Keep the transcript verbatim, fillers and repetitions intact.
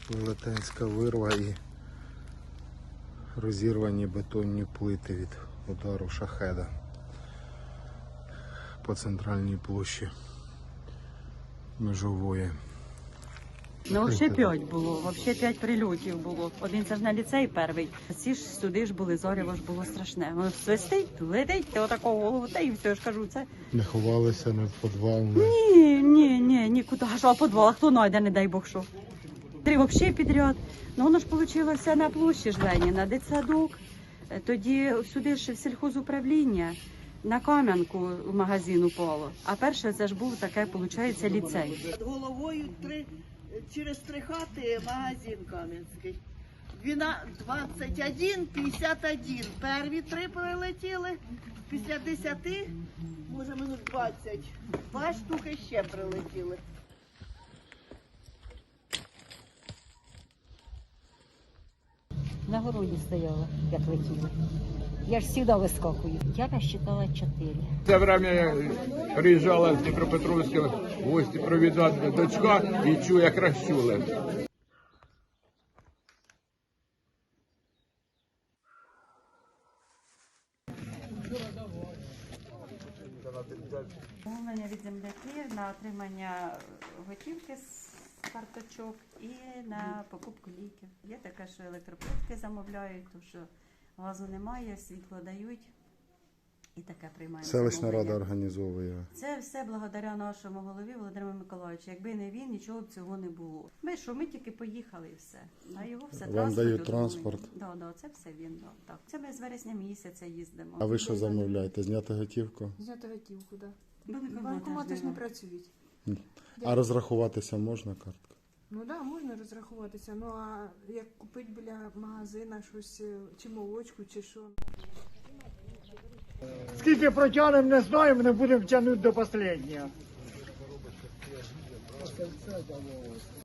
Велетенська вирва і розірвані бетонні плити від удару шахеда по центральній площі Межової. Ну, взагалі п'ять було, взагалі п'ять прильотів було. Один це ж на ліцей перший. Ці ж сюди ж були, зоряво ж було страшне. Воно свистить, летить, отакого голову, та і все, я ж кажу, це... Не ховалися, не в підвал, не... Ні, ні, ні, нікуди. А що, а підвал, а хто знайде, не дай Бог що. Три взагалі підряд. Ну, воно ж вийшло на площі ж Леніна, дитсадок. Тоді сюди ж в сільхозуправління на Кам'янку в магазин упало. А перше це ж був таке, виходить, ліцей. Над головою три, через три хати магазин Кам'янський. двадцять один п'ятдесят один. Перві три прилетіли, після десяти, може минут двадцять. Два штуки ще прилетіли. На городі стояла, як летіла. Я ж завжди вискакую. Я розчитала чотири. Це время приїжджала з Дніпропетровська в гості провідати дочка і чую, як розчули. Замовлення від земляків на отримання готівки з карточок і на покупку ліків. Є таке, що електроплитки замовляють, тому що газу немає, світло дають і таке приймаємо. Селищна замовлення. рада організовує. Це все благодаря нашому голові Володимиру Миколаївичу. Якби не він, нічого б цього не було. Ми що, ми тільки поїхали і все. А його все Вам транспорт дають отримує. транспорт? Да, да, це все він. Да, так. Це ми з вересня місяця їздимо. А ви що замовляєте? Зняти готівку? Зняти готівку, так. Банкомати Банкомати ж не нема. працюють. А розрахуватися можна карткою? Ну так, да, можна розрахуватися. Ну а як купити біля магазина щось, е, чи молочку, чи що. Скільки протягнемо, не знаємо, не будемо тягнути до останнього.